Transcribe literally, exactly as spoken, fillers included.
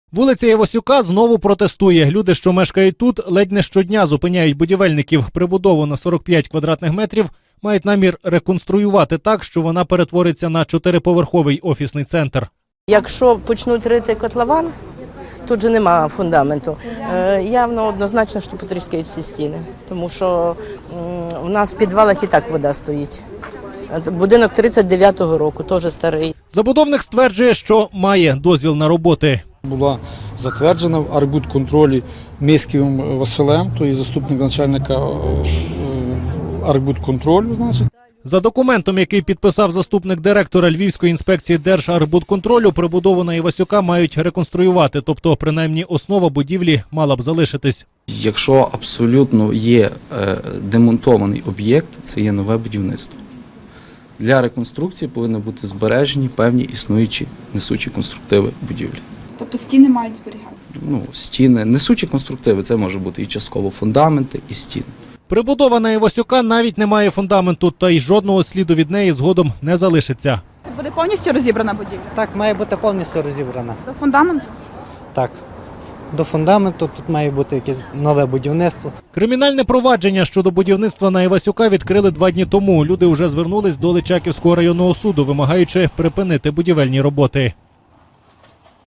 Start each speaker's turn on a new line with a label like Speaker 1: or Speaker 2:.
Speaker 1: Вулиця Івасюка знову протестує. Люди, що мешкають тут, ледь не щодня зупиняють будівельників. Прибудову на сорок п'ять квадратних метрів мають намір реконструювати так, що вона перетвориться на чотириповерховий офісний центр.
Speaker 2: Якщо почнуть рити котлован, тут же нема фундаменту. Е, явно однозначно, що потріскають всі стіни, тому що м, у нас в підвалах і так вода стоїть. Будинок тридцять дев'ятого року, теж старий.
Speaker 1: Забудовник стверджує, що має дозвіл на роботи.
Speaker 3: Була затверджена в архбудконтролі Миськівим Василем, то є заступник начальника архбудконтролю, значить.
Speaker 1: За документом, який підписав заступник директора Львівської інспекції Держархбудконтролю, прибудову на Івасюка мають реконструювати, тобто принаймні основа будівлі мала б залишитись.
Speaker 4: Якщо абсолютно є демонтований об'єкт, це є нове будівництво. Для реконструкції повинні бути збережені певні існуючі несучі конструктиви будівлі.
Speaker 5: Тобто стіни мають зберігатися?
Speaker 4: Ну, стіни, несучі конструктиви, це може бути і частково фундаменти, і стіни.
Speaker 1: Прибудова на Івасюка навіть не має фундаменту, та й жодного сліду від неї згодом не залишиться.
Speaker 5: Це буде повністю розібрана будівля?
Speaker 6: Так, має бути повністю розібрана.
Speaker 5: До фундаменту?
Speaker 6: Так. До фундаменту тут має бути якесь нове будівництво.
Speaker 1: Кримінальне провадження щодо будівництва на Івасюка відкрили два дні тому. Люди вже звернулись до Личаківського районного суду, вимагаючи припинити будівельні роботи.